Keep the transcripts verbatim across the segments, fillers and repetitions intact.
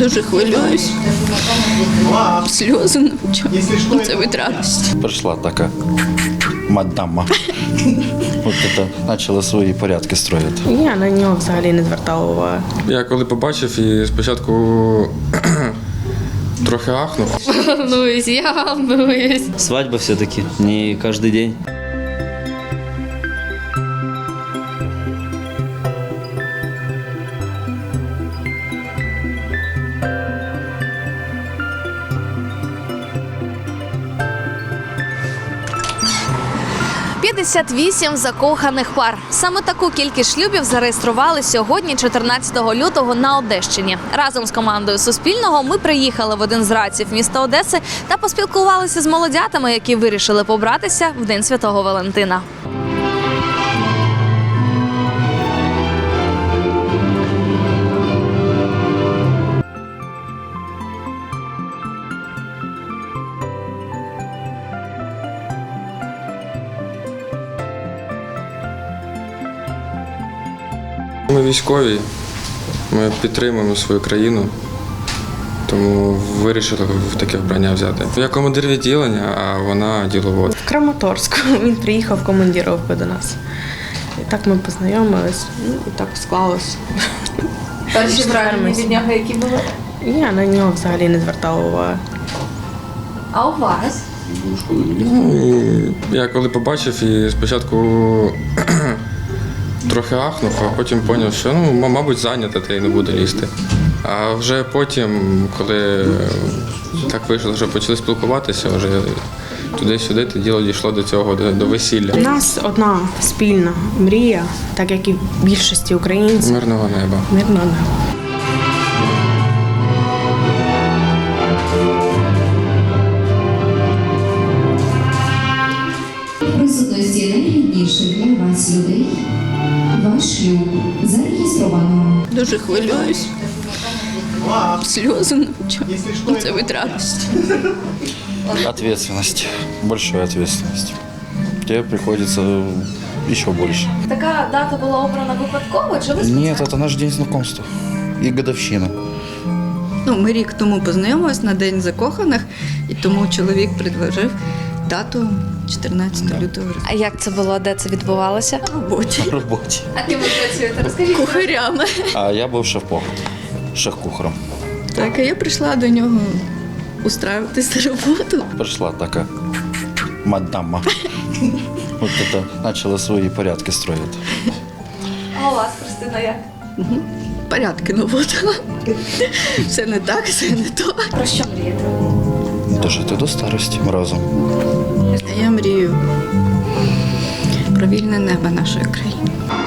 Дуже хвилююсь. Сльози на очах. Це від радості. Прийшла така мадама. От це почала свої порядки строїти. Я на нього взагалі не звертала уваги. Я коли побачив і спочатку трохи ахнув. Волнуюсь, я волнуюсь. Свадьба все-таки не каждый день. п'ятдесят вісім закоханих пар. Саме таку кількість шлюбів зареєстрували сьогодні, чотирнадцятого лютого, на Одещині. Разом з командою Суспільного ми приїхали в один з райців міста Одеси та поспілкувалися з молодятами, які вирішили побратися в День Святого Валентина. Ми військові, ми підтримуємо свою країну, тому вирішили в таке вбрання взяти. Я командир відділення, а вона діловод. В Краматорську він приїхав в командировку до нас. І так ми познайомились, ну, і так склалось. Перші враження від нього які були? Я на нього взагалі не звертала уваги. А у вас? Ну, і я коли побачив і спочатку трохи ахнув, а потім зрозумів, що, ну, мабуть, зайнята, та й не буде лізти. А вже потім, коли так вийшло, що почали спілкуватися, вже туди-сюди, то діло дійшло до цього, до, до весілля. У нас одна спільна мрія, так як і в більшості українців. Мирного неба. Мирного неба. Присутності найрідніших для вас людей. Ваш шлюб зареєстровано. Дуже хвилююсь. Сльози на очах. Це від радості. Ответственность. Большая ответственность. Тебе приходится еще больше. Така дата була обрана випадково, чи ви Нет, это наш день знакомства. И годовщина. Ну, ми рік тому познайомились на День закоханих, і тому чоловік предложив дату чотирнадцятого лютого. А як це було? Де це відбувалося? На роботі. В роботе. А ким ви працюєте? Розкажіть. Кухарями. А я був шеф-повар. Шеф-кухарем. Так, а я прийшла до нього устраюватись на роботу. Прийшла така мадама. От це почала свої порядки строїти. А у вас, Христина, як? Порядки наводила. Все не так, все не то. Про що мрієте? Дожити до старості разом. Я мрію про вільне небо нашої країни.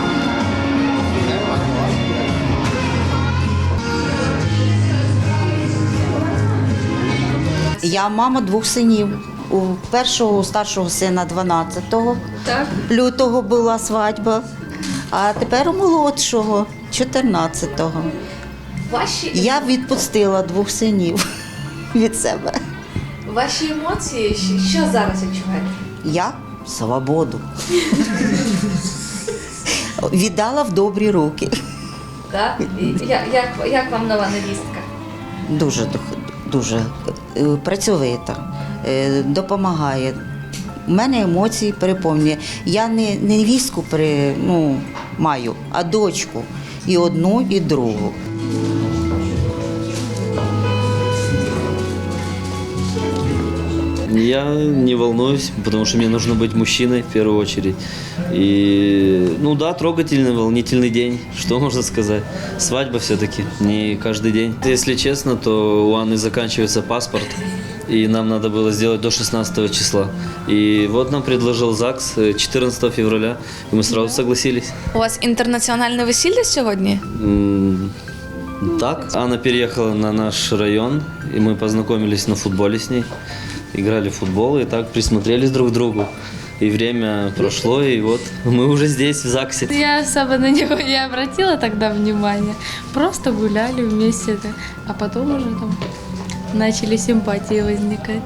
Я мама двох синів. У першого, у старшого сина дванадцятого Так. лютого була свадьба, а тепер у молодшого чотирнадцятого. Ваші, Я відпустила двох синів від себе. ваші емоції, що- що зараз відчуваєте? Я свободу. Віддала в добрі руки. Так? І Як, як, як вам нова невістка? Дуже, дух- дуже е, працьовита, е, допомагає. У мене емоції переповнює. Я не не невістку при, ну, маю, а дочку. І одну, і другу. Я не волнуюсь, потому что мне нужно быть мужчиной в первую очередь. И, ну да, трогательный, волнительный день, что можно сказать. Свадьба все-таки не каждый день. Если честно, то у Анны заканчивается паспорт, и нам надо было сделать до шестнадцатого числа. И вот нам предложил ЗАГС четырнадцатого февраля, и мы сразу согласились. У вас інтернаціональне весілля сьогодні? М, Так, Анна переехала на наш район, и мы познакомились на футболе с ней. Играли в футбол и так присмотрелись друг к другу. И время прошло, и вот мы уже здесь, в ЗАГСе. Я особо на него не обратила тогда внимания. Просто гуляли вместе, а потом уже там начали симпатии возникать.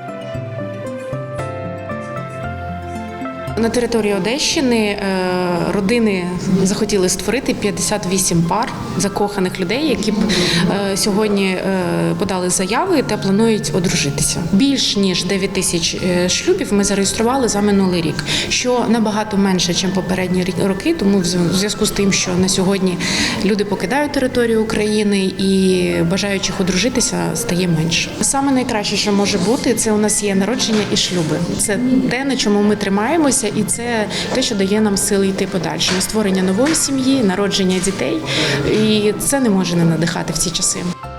На території Одещини е, родини захотіли створити п'ятдесят вісім пар. закоханих людей, які б е, сьогодні е, подали заяви та планують одружитися. Більш ніж дев'ять тисяч е, шлюбів ми зареєстрували за минулий рік, що набагато менше, ніж попередні роки, тому в зв'язку з тим, що на сьогодні люди покидають територію України і бажаючих одружитися стає менше. Саме найкраще, що може бути, це у нас є народження і шлюби. Це те, на чому ми тримаємося, і це те, що дає нам сили йти подальше. На створення нової сім'ї, народження дітей, і це не може не надихати в ці часи.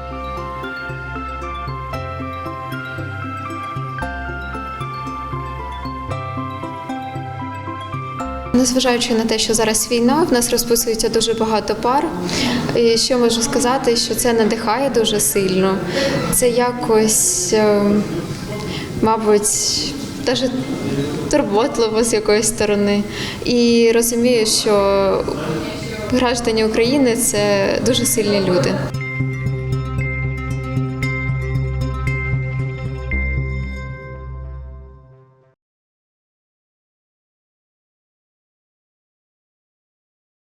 Незважаючи на те, що зараз війна, в нас розписується дуже багато пар. І що можу сказати, що це надихає дуже сильно. Це якось, мабуть, навіть турботливо з якоїсь сторони. І розумію, що граждані України – це дуже сильні люди.